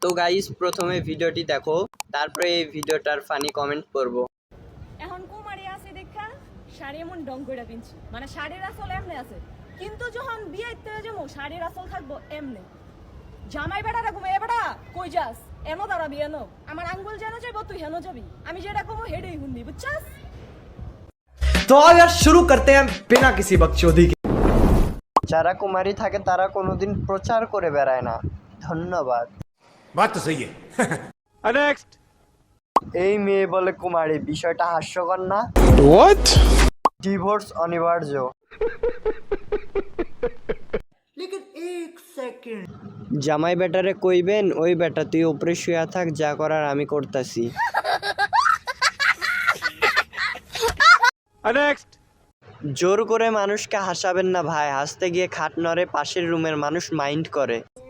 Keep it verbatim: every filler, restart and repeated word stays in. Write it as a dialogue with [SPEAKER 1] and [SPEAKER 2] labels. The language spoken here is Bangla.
[SPEAKER 1] তো গাইস প্রথমে ভিডিওটি দেখো, তারপরে এই ভিডিওটার ফানি কমেন্ট করব।
[SPEAKER 2] এখন কুমারী আছে দেখা শাড়ি এমন ডং করে পিনছি, মানে শাড়ির আসল এমনি আছে, কিন্তু যখন বিয়েতে যাবো শাড়ির আসল থাকবো এমনি। জামাই বেটা রাখবো, এ বেটা কই যাস, এনো দাঁড়াবি, এনো আমার আঙ্গুল যেন যাইব তুই হেনো যাবি, আমি যেটা কমো হেডেই হুন্দি, বুঝছাস?
[SPEAKER 3] तो आओ यार शुरू करते हैं बिना किसी बकचोदी के।
[SPEAKER 1] যারা কুমারী থাকে তারা কোনোদিন প্রচার করে বেড়ায় না। ধন্যবাদ।
[SPEAKER 4] बात तो सही है। नेक्स्ट।
[SPEAKER 1] এই মেয়ে বলে কুমারী, বিষয়টা হাস্যকর না?
[SPEAKER 4] व्हाट?
[SPEAKER 1] ডিভোর্স অনিবার্য। জামাই বেটারে কইবেন, ওই বেটা তুই উপরে শুয়া থাক, যা করার আমি করতাছি।
[SPEAKER 4] नेक्स्ट।
[SPEAKER 1] জোর করে মানুষকে হাসাবেন না ভাই, হাসতে গিয়ে খাট নড়ে, পাশের রুমের মানুষ মাইন্ড করে।